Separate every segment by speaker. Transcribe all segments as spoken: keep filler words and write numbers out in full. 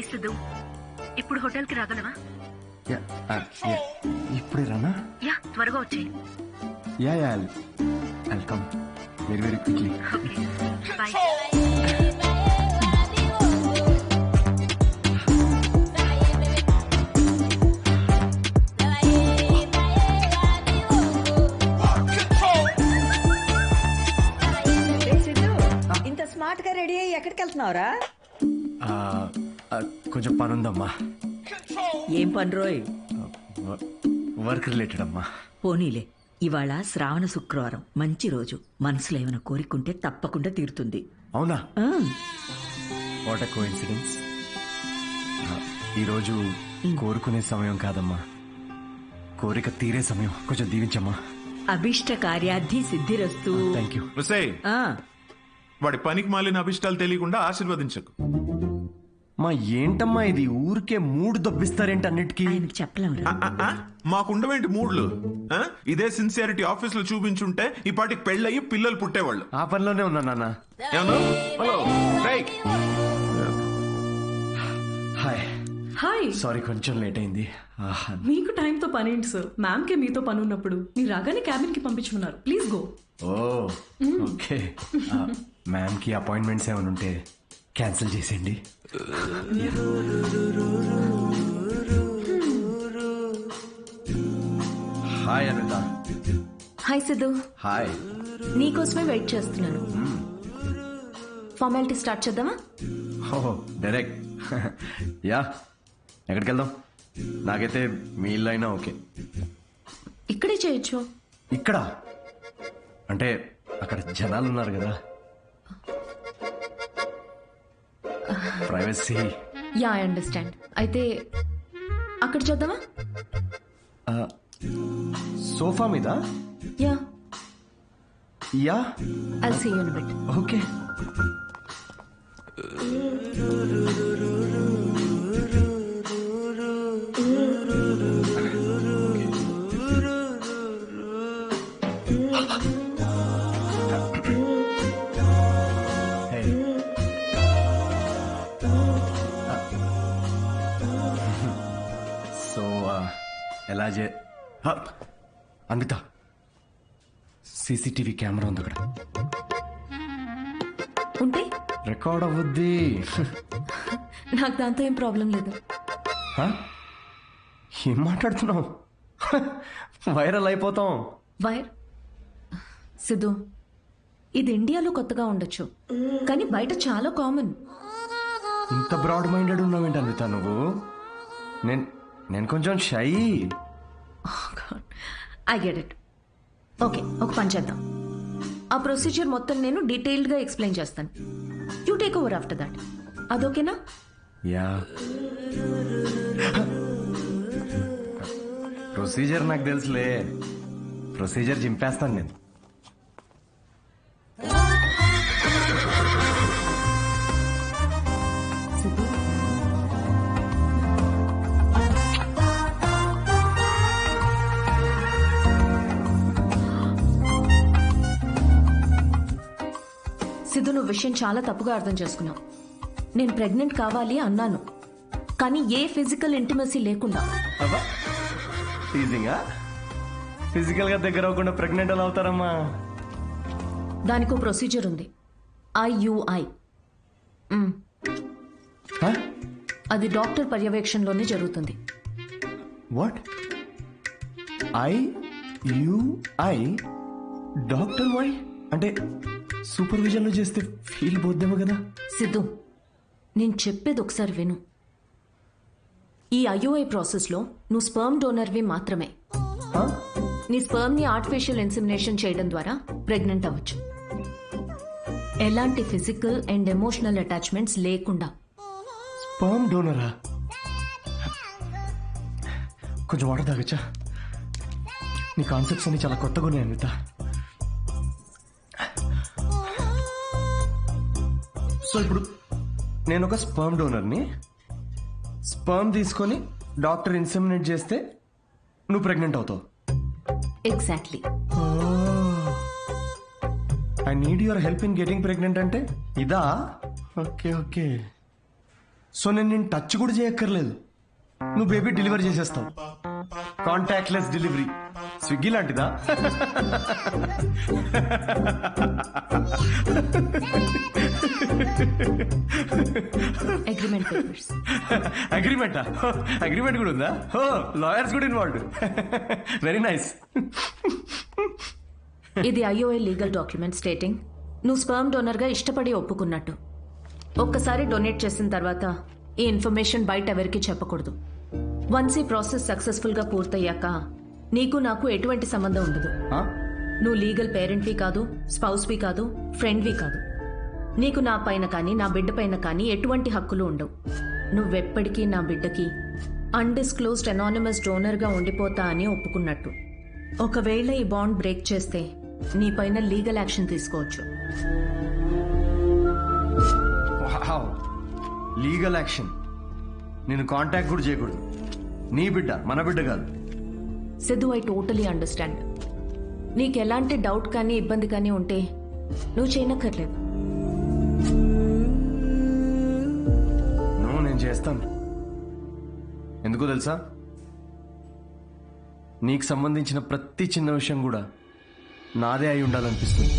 Speaker 1: సిద్ధు, ఇప్పుడు హోటల్కి రాగలవా?
Speaker 2: ఇప్పుడే రానా?
Speaker 1: యా, త్వరగా వచ్చేయి.
Speaker 2: Yeah yeah I'll come very very quickly.
Speaker 1: Okay, bye.
Speaker 3: ఇంత స్మార్ట్ గా రెడీ అయ్యి ఎక్కడికి వెళ్తున్నావురా?
Speaker 2: కొంచెం పని ఉందమ్మా.
Speaker 3: ఏం పని రోయ్?
Speaker 2: వర్క్ రిలేటెడ్ అమ్మా.
Speaker 3: పోనీలే, ఇవాళ శ్రావణ శుక్రవారం, మంచి రోజు. మనసులో ఏమైనా కోరికుంటే తప్పకుండా తీరుతుంది.
Speaker 2: అవునా?
Speaker 3: ఆ,
Speaker 2: వాట్ ఎ కోఇన్సిడెన్స్. ఈరోజు కోరుకునే సమయం కాదమ్మా, కోరిక తీరే సమయం. కొంచెం దీవించమ్మా.
Speaker 3: అభిష్ట కార్యార్థి సిద్ధిరస్తు.
Speaker 2: Thank you.
Speaker 3: ఆ,
Speaker 4: వాడి పనికి మాలిన అభిష్టాలు తెలియకుండా ఆశీర్వదించకు.
Speaker 2: మా ఏంటమ్మా ఇది, ఊరికే మూడు దొబ్బిస్తారేంటి అన్నిటికీ?
Speaker 3: ఆయనకు చెప్పలేమురా.
Speaker 4: ఆ, ఆ, మాకుండవేంటి మూడ్లు? ఆ? ఇదే సిన్సియారిటీ ఆఫీస్ లో చూపించుంటే ఈ పాటికి పెళ్ళయి పిల్లలు పుట్టేవాళ్ళు.
Speaker 2: ఆ పనిలోనే ఉన్నా నాన్న.
Speaker 4: ఏమన్నా? హలో, రేయ్.
Speaker 2: హాయ్.
Speaker 5: హాయ్.
Speaker 2: సారీ కొంచెం లేట్ అయింది. ఆహా.
Speaker 5: మీకు టైంతో పని ఏంటి సార్? మ్యామ్ కే మీతో పని ఉన్నప్పుడు మీరు రాగానే క్యాబిన్ కి పంపించుకున్నారు. Please go.
Speaker 2: Oh okay. Ma'am కి అపాయింట్మెంట్స్ ఏమైనా ఉంటే క్యాన్సిల్ చేసేయండి. Hi Anitha.
Speaker 6: Hi Siddhu,
Speaker 2: hi.
Speaker 6: నీకోసమే వెయిట్ చేస్తున్నాను. ఫార్మాలిటీ స్టార్ట్ చేద్దామా?
Speaker 2: Oh direct. యా, ఎక్కడికి వెళ్దాం? నాకైతే మీ ఇల్లు అయినా ఓకే.
Speaker 6: ఇక్కడే చేయొచ్చు.
Speaker 2: ఇక్కడ అంటే అక్కడ జనాలు ఉన్నారు కదా, ప్రైవసీ.
Speaker 6: Yeah, I understand. అయితే అక్కడ చేద్దామా?
Speaker 2: సోఫా మీద?
Speaker 6: Yeah,
Speaker 2: yeah,
Speaker 6: I'll see you in a bit.
Speaker 2: Okay. So ఎలా చే అన్విత, సీసీటీవీ కెమెరా ఉంది అక్కడ.
Speaker 6: ఉంటే
Speaker 2: రికార్డ్ అవ్వద్ది.
Speaker 6: నాకు దాంతో ఏం ప్రాబ్లం లేదు.
Speaker 2: హ? ఏం మాట్లాడుతున్నావు? వైరల్ అయిపోతాం.
Speaker 6: వైర్ సిద్ధు, ఇది ఇండియాలో కొత్తగా ఉండొచ్చు, కానీ బయట చాలా కామన్.
Speaker 2: ఇంత బ్రాడ్ మైండెడ్ ఉన్నావేంటి అన్విత నువ్వు? నేను నేను కొంచెం shy.
Speaker 6: I get it. Okay, ఒక పని చేద్దాం. ఆ ప్రొసీజర్ మొత్తం నేను డీటెయిల్డ్గా ఎక్స్ప్లెయిన్ చేస్తాను. You take over after that. అదోకేనా?
Speaker 2: యా. ప్రొసీజర్ నాకు తెలుసులే. ప్రొసీజర్ చింపేస్తాను నేను.
Speaker 6: సిద్ధు, సిద్ధు, నువ్వు విషయం చాలా తప్పుగా అర్థం చేసుకున్నావు. నేను ప్రెగ్నెంట్ కావాలి అన్నాను, కానీ ఏ ఫిజికల్ ఇంటిమసీ లేకుండా.
Speaker 2: టీజింగా? ఫిజికల్ గా దగ్గర అవ్వకుండా ప్రెగ్నెంట్ ఎలా అవుతారమ్మా?
Speaker 6: దానికో ప్రొసీజర్ ఉంది, ఐయుఐ. అది డాక్టర్ పర్యవేక్షణలోనే జరుగుతుంది.
Speaker 2: What? I U I doctor why అంటే సూపర్విజన్ లో చేస్తే ఫీల్ పోద్దేమో కదా?
Speaker 6: సిద్ధు, నేను చెప్పేది ఒకసారి విను. ఈ ఐయుఐ ప్రాసెస్లో నువ్వు స్పర్మ్ డోనర్వి మాత్రమే. నీ స్పర్మ్ ని ఆర్టిఫిషియల్ ఇన్సెమినేషన్ చేయడం ద్వారా ప్రెగ్నెంట్ అవ్వచ్చు, ఎలాంటి ఫిజికల్ అండ్ ఎమోషనల్ అటాచ్మెంట్స్ లేకుండా.
Speaker 2: స్పర్మ్ డోనరా? కొంచెం వాటర్ తాగచ్చా? నీ కాన్సెప్ట్స్ అన్ని చాలా కొత్తగా ఉన్నాయి అనిత. సో ఇప్పుడు నేను ఒక స్పర్మ్ డోనర్ని, స్పర్మ్ తీసుకొని డాక్టర్ ఇన్సెమినేట్ చేస్తే నువ్వు ప్రెగ్నెంట్ అవుతావు.
Speaker 6: Exactly.
Speaker 2: I need your help in getting pregnant అంటే ఇదా? Okay okay. సో నేను నేను టచ్ కూడా చేయక్కర్లేదు, నువ్వు బేబీ డెలివరీ చేసేస్తావు. కాంటాక్ట్లెస్ డెలివరీ, స్విగ్గీ లాంటిదా?
Speaker 6: Agreement papers.
Speaker 2: అగ్రిమెంటా? అగ్రిమెంట్ కూడా ఉందా? ఓ, లాయర్స్ కూడా ఇన్వాల్వ్డ్. Very nice.
Speaker 6: ఇది ఐఓఐ లీగల్ డాక్యుమెంట్ స్టేటింగ్ నువ్వు స్పర్మ్ డోనర్గా ఇష్టపడి ఒప్పుకున్నట్టు. ఒక్కసారి డొనేట్ చేసిన తర్వాత ఈ ఇన్ఫర్మేషన్ బయట ఎవరికి చెప్పకూడదు. వన్స్ ఈ ప్రాసెస్ సక్సెస్ఫుల్గా పూర్తయ్యాక నీకు నాకు ఎటువంటి సంబంధం ఉండదు. నువ్వు లీగల్ పేరెంట్వి కాదు, స్పౌస్వి కాదు, ఫ్రెండ్వి కాదు. నీకు నా పైన కానీ నా బిడ్డ పైన కానీ ఎటువంటి హక్కులు ఉండవు. నువ్వెప్పటికీ నా బిడ్డకి అన్డిస్క్లోజ్డ్ అనానిమస్ డోనర్గా ఉండిపోతా అని ఒప్పుకున్నట్టు. ఒకవేళ ఈ బాండ్ బ్రేక్ చేస్తే నీ పైన లీగల్ యాక్షన్ తీసుకోవచ్చు.
Speaker 2: Legal action? నేను కాంటాక్ట్ కూడా చేయకూడదు. నీ బిడ్డ మన బిడ్డ కాదు.
Speaker 6: Siddhu, I totally understand. నీకు ఎలాంటి డౌట్ కానీ ఇబ్బంది కానీ ఉంటే నువ్వు చేయనక్కర్లేదు.
Speaker 2: నువ్వు నేను చేస్తాను. ఎందుకో తెలుసా? నీకు సంబంధించిన ప్రతి చిన్న విషయం కూడా నాదే అయి ఉండాలనిపిస్తుంది.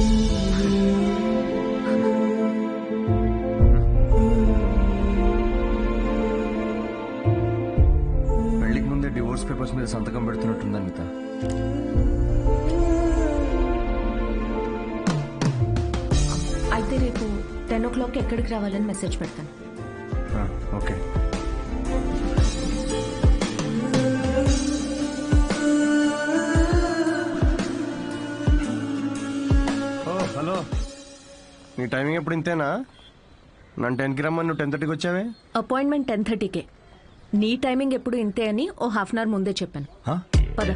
Speaker 2: పెళ్లికి ముందే డివోర్స్ పేపర్స్ మీద సంతకం పెడుతున్నట్టుంది అనిత.
Speaker 6: అయితే రేపు టెన్ ఓ క్లాక్ ఎక్కడికి రావాలని మెసేజ్ పెడతాను.
Speaker 2: ఓకే. హలో, నీ టైమింగ్ ఎప్పుడు ఇంతేనా? నన్ను టెన్కి రమ్మని నువ్వు టెన్ థర్టీకి వచ్చావే.
Speaker 6: అపాయింట్మెంట్ టెన్ థర్టీకే. నీ టైమింగ్ ఎప్పుడు ఇంతే అని ఓ హాఫ్ అన్ అవర్ ముందే చెప్పాను. పద.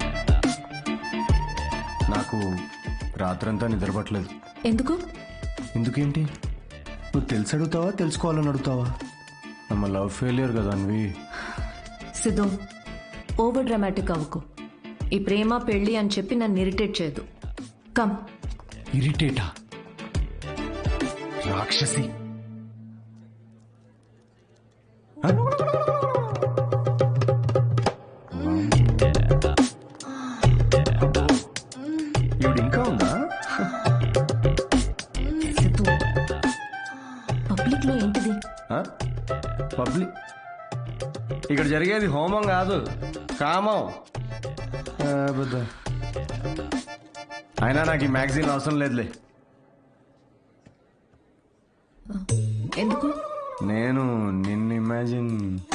Speaker 2: నాకు రాత్రంతా నిద్రపట్టలేదు.
Speaker 6: ఎందుకు?
Speaker 2: ఎందుకేంటి? నువ్వు తెలిసి అడుగుతావా తెలుసుకోవాలని అడుగుతావా? నమ్మ లవ్ ఫెయిలియర్ కదా అన్వి.
Speaker 6: సిద్ధు, ఓవర్ డ్రామాటిక్ అవ్వకు. ఈ ప్రేమ పెళ్లి అని చెప్పి నన్ను ఇరిటేట్ చేయదు. కమ్.
Speaker 2: ఇరిటేటా? రాక్షసి. ఇవిడు ఇంకా ఉందా?
Speaker 6: సిద్ధు, పబ్లిక్ లో ఏంటిది?
Speaker 2: పబ్లిక్? ఇక్కడ జరిగేది హోమం కాదు, కామం. అయినా నాకు ఈ మ్యాగజైన్ అవసరం లేదులే.
Speaker 6: ఎందుకు?
Speaker 2: నేను నిన్ను ఇమాజిన్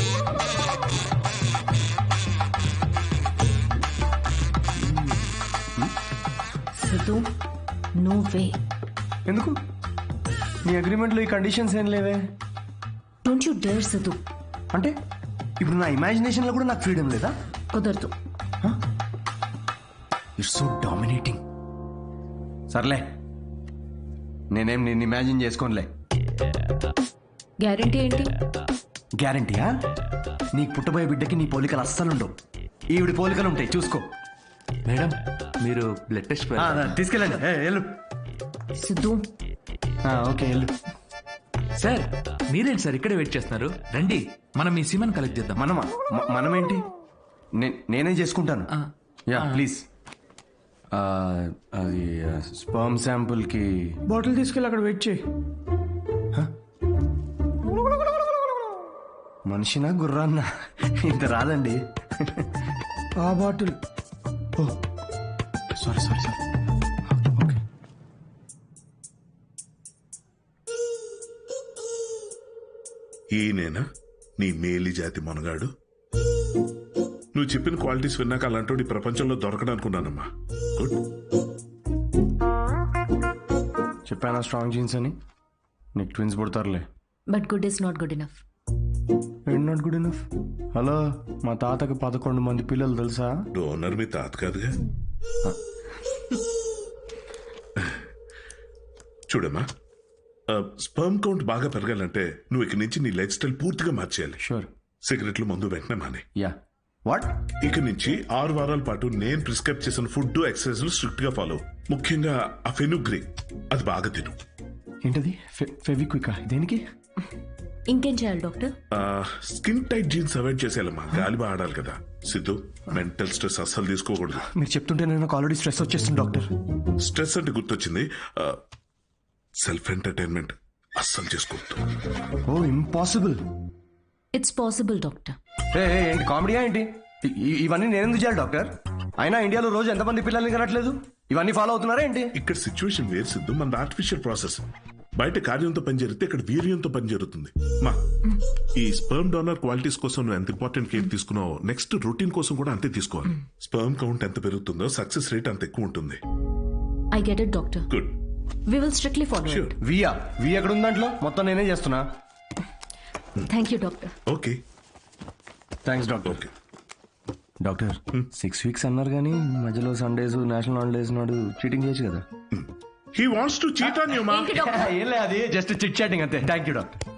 Speaker 6: సిద్ధు, నువ్వే.
Speaker 2: ఎందుకు? నీ అగ్రిమెంట్లో ఈ కండిషన్స్ ఏం లేవే.
Speaker 6: Don't you dare Siddhu.
Speaker 2: అంటే ఇప్పుడు నా ఇమాజినేషన్లో కూడా నాకు ఫ్రీడమ్ లేదా?
Speaker 6: కుదరదు.
Speaker 2: It's so dominating. సర్లే, నేనేం నిన్ను ఇమాజిన్ చేసుకోనులే.
Speaker 6: గ్యారంటీ ఏంటి?
Speaker 2: గ్యారంటీయా? నీకు పుట్టబోయే బిడ్డకి నీ పోలికలు అస్సలుండవు. ఈవిడి పోలికలు ఉంటాయి, చూసుకో.
Speaker 7: మేడం, మీరు బ్లడ్ టెస్ట్
Speaker 2: తీసుకెళ్ళండి. వెళ్ళు.
Speaker 6: సిద్ధు.
Speaker 2: ఓకే, వెళ్ళు.
Speaker 7: సార్, మీరేంటి సార్ ఇక్కడే వెయిట్ చేస్తున్నారు? రండి, మనం మీ సిమన్ కలెక్ట్ చేద్దాం.
Speaker 2: మనమా? మనమేంటి? నేనే చేసుకుంటాను. Yeah, please. అది స్పర్మ్ శాంపుల్ కి బాటిల్ తీసుకెళ్ళి అక్కడ వెయిట్ చేయి. మనిషినా గుర్రాన్నా? ఇంత రాదండి. ఆ bottle. Oh sorry sorry sorry. Okay.
Speaker 8: ఈయనేనా నీ మేలి జాతి మనగాడు? నువ్వు చెప్పిన క్వాలిటీస్ విన్నాక అలాంటి ప్రపంచంలో దొరకడనుకున్నానమ్మా. గుడ్.
Speaker 2: చెప్పానా స్ట్రాంగ్ జీన్స్ అని? నీకు ట్విన్స్ పుడతారులే.
Speaker 6: But good is not good enough.
Speaker 2: ఏంటి నాట్ గుడ్ ఇనఫ్? హలో, మా తాతకి పదకొండు మంది పిల్లలు తెలుసా?
Speaker 8: డోనర్ మీ తాత కాదుగా. చూడమ్మా, స్పర్మ్ కౌంట్ బాగా పెరగాలంటే నువ్వు ఇక నుంచి నీ లైఫ్ స్టైల్ పూర్తిగా మార్చేయాలి.
Speaker 2: షూర్.
Speaker 8: సిగరెట్లు మందు వెంటనే మానే.
Speaker 2: యా. వాట్?
Speaker 8: ఇక నుంచి ఆరు వారాల పాటు నేను ప్రిస్క్రైబ్ చేసిన ఫుడ్ ఎక్సర్సైజ్ స్ట్రిక్ట్ గా ఫాలో. ముఖ్యంగా ఆ ఫెనుగ్రీక్, అది బాగా తిను.
Speaker 2: ఏంటది? ఫెవిక్వికా? దేనికి?
Speaker 6: ఇంకేం చేయాలి doctor?
Speaker 8: Skin tight jeans avoid చేసేయాలమ్మా, గాలి బాగా ఆడాలి కదా. సిద్ధు, మెంటల్ స్ట్రెస్ అస్సలు తీసుకోకూడదు.
Speaker 2: మీరు చెప్తుంటే నేను ఆల్రెడీ స్ట్రెస్ వచ్చేస్తుంది డాక్టర్.
Speaker 8: స్ట్రెస్ అంటే గుర్తొచ్చింది, సెల్ఫ్ ఎంటర్టైన్మెంట్ అస్సలు చేసుకోవద్దు.
Speaker 2: Oh impossible.
Speaker 6: It's possible doctor.
Speaker 2: ఏ ఏ, ఏంటి కామెడీయా ఏంటి? ఇ- ఇ- ఇవన్నీ నేను ఎందుకు చేయాలి డాక్టర్? అయినా ఇండియాలో రోజు ఎంతమంది పిల్లల్ని కనట్లేదు? ఇవన్నీ ఫాలో అవుతున్నారా ఏంటి?
Speaker 8: ఇక్కడ సిచ్యువేషన్ వేరు సిద్ధు, మన ఆర్టిఫిషియల్ ప్రాసెస్. బయట కార్యంతో పని జరిగితే ఇక్కడ వీర్యంతో పని జరుగుతుంది. మా ఈ స్పర్మ్ డోనర్ క్వాలిటీస్ కోసం నువ్వు ఎంత ఇంపార్టెంట్ కేర్ తీసుకున్నావో నెక్స్ట్ రొటీన్ కోసం కూడా అంతే తీసుకోవాలి. స్పర్మ్ కౌంట్ ఎంత పెరుగుతుందో సక్సెస్ రేట్ అంత ఎక్కువ ఉంటుంది.
Speaker 6: I get it doctor.
Speaker 8: Good.
Speaker 6: We will strictly follow
Speaker 8: Sure.
Speaker 6: It.
Speaker 2: వియా వి ఎక్కడ ఉంది దాంట్లో? మొత్తం నేనే చేస్తున్నా.
Speaker 6: Thank you doctor.
Speaker 8: Okay
Speaker 2: thanks doctor.
Speaker 8: Okay.
Speaker 2: Doctor six weeks అన్నారు కానీ మధ్యలో సండేస్ నేషనల్ హాలిడేస్ నాడు చీటింగ్ చేయొచ్చు కదా?
Speaker 8: He wants to cheat on you మా.
Speaker 6: ఏంటి డాక్టర్?
Speaker 2: ఏం లేదు, అది జస్ట్ చిట్ చాటింగ్ అంతే. Thank you doctor.